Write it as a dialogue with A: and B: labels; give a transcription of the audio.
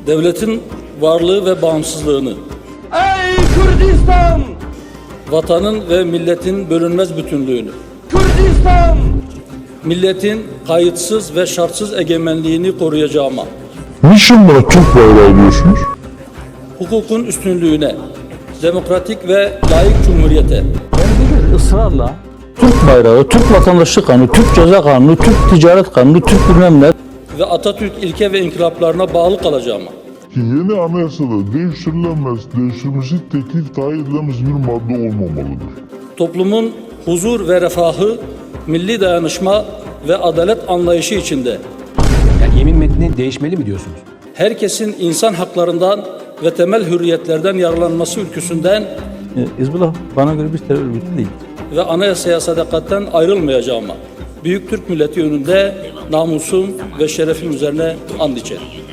A: devletin varlığı ve bağımsızlığını,
B: Ey Kürdistan!
A: vatanın ve milletin bölünmez bütünlüğünü,
B: Kürdistan!
A: milletin kayıtsız ve şartsız egemenliğini koruyacağıma,
C: Niçin buna Türk bayrağı diyorsunuz?
A: hukukun üstünlüğüne, demokratik ve layık cumhuriyete,
D: Ben ısrarla Türk bayrağı, Türk vatandaşlık kanunu, Türk ceza kanunu, Türk ticaret kanunu, Türk bilmem ne.
A: ve Atatürk ilke ve inkılaplarına bağlı kalacağıma,
C: Ki yeni anayasada değiştirilmesi teklif dahi edilemez bir madde olmamalıdır.
A: toplumun huzur ve refahı, milli dayanışma ve adalet anlayışı içinde
E: Yani yemin metni değişmeli mi diyorsunuz?
A: herkesin insan haklarından ve temel hürriyetlerden yararlanması ülküsünden
D: Hizbullah bana göre bir terör örgütü değil.
A: ve anayasaya sadakatten ayrılmayacağıma, büyük Türk milleti önünde namusum ve şerefim üzerine and içerim.